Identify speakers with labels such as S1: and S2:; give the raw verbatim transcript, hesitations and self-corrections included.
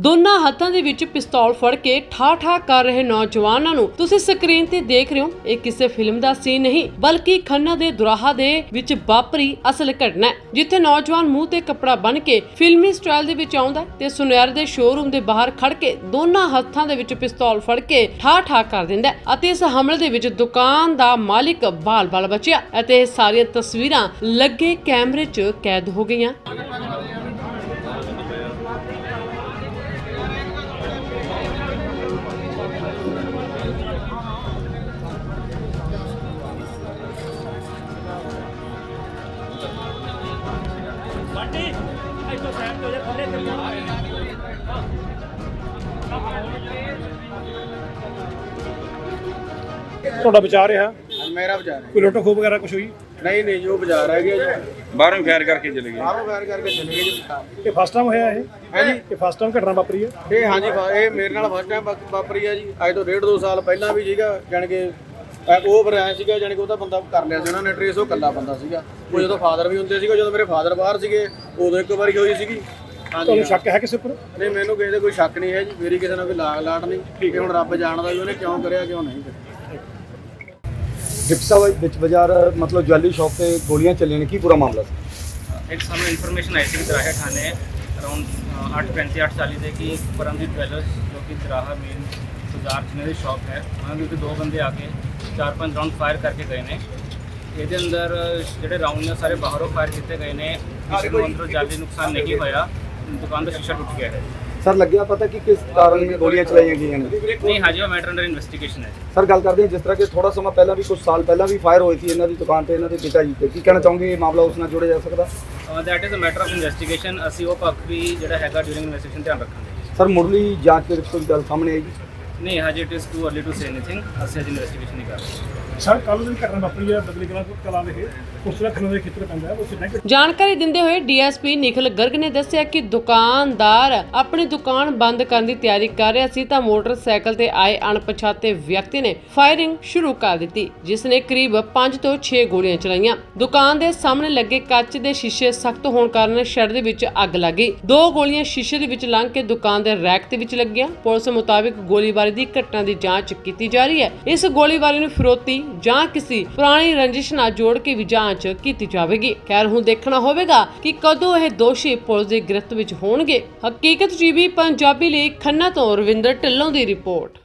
S1: ਦੋਨਾਂ ਹੱਥਾਂ ਦੇ ਵਿੱਚ ਪਿਸਤੌਲ ਫੜ ਕੇ ਠਾ ਠਾ ਕਰ ਰਹੇ ਨੌਜਵਾਨਾਂ ਨੂੰ ਤੁਸੀਂ ਸਕਰੀਨ ਤੇ ਦੇਖ ਰਹੇ ਹੋ। ਇਹ ਕਿਸੇ ਫਿਲਮ ਦਾ ਸੀਨ ਨਹੀਂ ਬਲਕਿ ਖੰਨਾ ਦੇ ਦੁਰਾਹਾ ਦੇ ਵਿੱਚ ਵਾਪਰੀ ਅਸਲ ਘਟਨਾ ਹੈ, ਜਿੱਥੇ ਨੌਜਵਾਨ ਮੂੰਹ ਤੇ ਕੱਪੜਾ ਬੰਨ ਕੇ ਫਿਲਮੀ ਸਟਾਈਲ ਦੇ ਵਿੱਚ ਆਉਂਦਾ ਤੇ ਸੁਨਿਆਰੇ ਦੇ ਸ਼ੋਰੂਮ ਦੇ ਬਾਹਰ ਖੜ ਕੇ ਦੋਨਾਂ ਹੱਥਾਂ ਦੇ ਵਿੱਚ ਪਿਸਤੌਲ ਫੜ ਕੇ ਠਾ ਠਾ ਕਰ ਦਿੰਦਾ ਅਤੇ ਇਸ ਹਮਲੇ ਦੇ ਵਿੱਚ ਦੁਕਾਨ ਦਾ ਮਾਲਿਕ ਬਾਲ-ਬਾਲ ਬਚਿਆ ਅਤੇ ਇਹ ਸਾਰੀਆਂ ਤਸਵੀਰਾਂ ਲੱਗੇ ਕੈਮਰੇ 'ਚ ਕੈਦ ਹੋ ਗਈਆਂ।
S2: ਤੁਹਾਡਾ ਵਿਚਾਰ ਰਿਹਾ?
S3: मेरा बाजार है।
S2: ਕੋਈ ਲੁੱਟ ਖੋਹ ਵਗੈਰਾ ਕੁਝ ਹੋਈ?
S3: नहीं नहीं जो बाजार है जी
S4: बाहरों फायर करके चले गए।
S3: बाहरों फायर करके चले गए जी।
S2: ਇਹ ਫਸਟ ਟਾਈਮ ਹੋਇਆ ਇਹ?
S3: है जी
S2: ਇਹ ਫਸਟ ਟਾਈਮ ਘਟਨਾ ਵਾਪਰੀ ਹੈ?
S3: ਇਹ ਹਾਂਜੀ ਇਹ ਮੇਰੇ ਨਾਲ ਫਸਟ ਟਾਈਮ ਵਾਪਰੀ ਆ ਜੀ। ਅੱਜ ਤੋਂ ਡੇਢ ਦੋ ਸਾਲ ਪਹਿਲਾਂ ਵੀ ਸੀਗਾ, ਜਾਣੀ ਕਿ ਉਹ ਬਰਿਆ ਸੀਗਾ, ਜਾਣੀ ਕਿ ਉਹਦਾ ਬੰਦਾ ਕਰ ਲਿਆ ਸੀ ਉਹਨਾਂ ਨੇ ਟ੍ਰੇਸ। ਉਹ ਇਕੱਲਾ ਬੰਦਾ ਸੀਗਾ। ਉਹ ਜਦੋਂ ਫਾਦਰ ਵੀ ਹੁੰਦੇ ਸੀਗੇ, ਜਦੋਂ ਮੇਰੇ ਫਾਦਰ ਬਾਹਰ ਸੀਗੇ ਉਦੋਂ ਇੱਕ ਵਾਰੀ ਹੋਈ ਸੀਗੀ।
S2: ਤੁਹਾਨੂੰ ਸ਼ੱਕ ਹੈ ਕਿਸੇ ਉੱਪਰ?
S3: ਨਹੀਂ ਮੈਨੂੰ ਕਿਸੇ ਦਾ ਕੋਈ ਸ਼ੱਕ ਨਹੀਂ ਹੈ ਜੀ। ਮੇਰੀ ਕਿਸੇ ਨਾਲ ਕੋਈ ਲਾਗ ਲਾਟ ਨਹੀਂ। ਠੀਕ ਹੈ, ਹੁਣ ਰੱਬ ਜਾਣਦਾ ਵੀ ਉਹਨੇ ਕਿਉਂ ਕਰਿਆ ਕਿਉਂ ਨਹੀਂ ਕਰਿਆ।
S5: ਡਿਪਸਾ ਵਿੱਚ ਬਾਜ਼ਾਰ ਮਤਲਬ ਜਵੈਲਰੀ ਸ਼ਾਪ ਤੇ ਗੋਲੀਆਂ ਚੱਲੀਆਂ ਨੇ, ਕੀ ਪੂਰਾ ਮਾਮਲਾ ਸੀ?
S6: एक सामने इन्फॉर्मेशन आई थी कि दराहा थाने अराउंड आठ पैंती आठ चाली से कि परमजीत ज्वैलर्स जो कि दराहा मेन बाजार जिन्हें की शॉप है वहाँ भी दो बंदे आके चार पाँच राउंड फायर करके गए ने। ये अंदर जोड़े राउंड ने सारे बाहरों फायर किए गए ने, किसी को अंदर जाली नुकसान नहीं होया, दुकान का शीशा टूट गया है।
S5: ਸਰ ਲੱਗਿਆ ਪਤਾ ਕਿ ਕਿਸ ਕਾਰਨ ਗੋਲੀਆਂ ਚਲਾਈਆਂ ਗਈਆਂ ਨੇ?
S6: नहीं हाँ जी वो मैटर अंडर इन्वेस्टिगेशन है।
S5: ਸਰ ਗੱਲ ਕਰਦੇ ਹਾਂ ਜਿਸ ਤਰ੍ਹਾਂ ਕਿ ਥੋੜਾ ਸਮਾਂ ਪਹਿਲਾਂ ਵੀ ਕੁਝ ਸਾਲ ਪਹਿਲਾਂ ਵੀ ਫਾਇਰ ਹੋਈ ਸੀ ਇਹਨਾਂ ਦੀ ਦੁਕਾਨ ਤੇ ਇਹਨਾਂ ਦੇ ਪਿਤਾ ਜੀ ਤੇ, ਕੀ ਕਹਿਣਾ ਚਾਹੋਗੇ ਇਹ ਮਾਮਲਾ ਉਸ ਨਾਲ ਜੋੜਿਆ ਜਾ ਸਕਦਾ?
S6: That is a matter of investigation. ਅਸੀਂ ਉਹ ਪੱਖ ਵੀ ਜਿਹੜਾ ਹੈਗਾ ਡਿਊਰਿੰਗ ਇਨਵੈਸਟੀਗੇਸ਼ਨ ਧਿਆਨ ਰੱਖਾਂਗੇ।
S5: ਸਰ ਮੁੱਢਲੀ ਜਾਂਚ ਦੇ ਵਿੱਚ ਕੋਈ ਗੱਲ ਸਾਹਮਣੇ ਆਏਗੀ?
S6: ਨਹੀਂ ਹਜੇ it is too early to say anything. ਅਸੀਂ ਅਜੇ ਇਨਵੈਸਟੀਗੇਸ਼ਨ ਨਹੀਂ ਕਰ ਰਹੇ।
S2: ਸਰ ਕੱਲ੍ਹ ਦੀ ਘਟਨਾ ਵਾਪਰੀ ਹੈ ਬਦਲੀ ਕਲਾਂ ਕਲਾਂ ਦੇ ਉਸ ਦਾ ਖੰਨਾ ਦੇ ਖੇਤਰ ਪੈਂਦਾ ਹੈ, ਉਸ ਨੇ
S1: ਜਾਣਕਾਰੀ ਦਿੰਦੇ ਹੋਏ ਡੀਐਸਪੀ ਨਿਖਿਲ ਗਰਗ ਨੇ ਦੱਸਿਆ ਕਿ ਦੁਕਾਨਦਾਰ ਆਪਣੀ ਦੁਕਾਨ ਬੰਦ ਕਰਨ ਦੀ ਤਿਆਰੀ ਕਰ ਰਿਹਾ ਸੀ ਤਾਂ ਮੋਟਰਸਾਈਕਲ ਤੇ ਆਏ ਅਣਪਛਾਤੇ ਵਿਅਕਤੀ ਨੇ ਫਾਇਰਿੰਗ ਸ਼ੁਰੂ ਕਰ ਦਿੱਤੀ, ਜਿਸ ਨੇ ਕਰੀਬ ਪੰਜ ਤੋਂ ਛੇ ਗੋਲੀਆਂ ਚਲਾਈਆਂ। ਦੁਕਾਨ ਦੇ ਸਾਹਮਣੇ ਲੱਗੇ ਕੱਚ ਦੇ ਸ਼ੀਸ਼ੇ ਸਖਤ ਹੋਣ ਕਾਰਨ ਸ਼ੈੱਡ ਦੇ ਵਿੱਚ ਅੱਗ ਲੱਗ ਗਈ। ਦੋ ਗੋਲੀਆਂ ਸ਼ੀਸ਼ੇ ਦੇ ਵਿੱਚ ਲੰਘ ਕੇ ਦੁਕਾਨ ਦੇ ਰੈਕ ਦੇ ਵਿੱਚ ਲੱਗੀਆਂ। ਪੁਲਿਸ ਮੁਤਾਬਿਕ ਗੋਲੀਬਾਰੀ ਦੀ ਘਟਨਾ ਦੀ ਜਾਂਚ ਕੀਤੀ ਜਾ ਰਹੀ ਹੈ। ਇਸ ਗੋਲੀਬਾਰੀ ਨੂੰ ਫਿਰੌਤੀ ਜਾਂ ਕਿਸੇ ਪੁਰਾਣੀ ਰੰਜਿਸ਼ ਨਾਲ ਜੋੜ ਕੇ ਵੀ ਜਾਂਚ ਕੀਤੀ ਜਾਵੇਗੀ। ਖੈਰ ਹੁਣ ਦੇਖਣਾ ਹੋਵੇਗਾ ਕਿ ਕਦੋਂ ਇਹ ਦੋਸ਼ੀ ਪੁਲਿਸ ਦੀ ਗ੍ਰਿਫਤ ਵਿੱਚ ਹੋਣਗੇ। ਹਕੀਕਤ ਟੀਵੀ ਪੰਜਾਬੀ ਲਈ ਖੰਨਾ ਤੋਂ ਰਵਿੰਦਰ ਢਿੱਲੋਂ ਦੀ ਰਿਪੋਰਟ।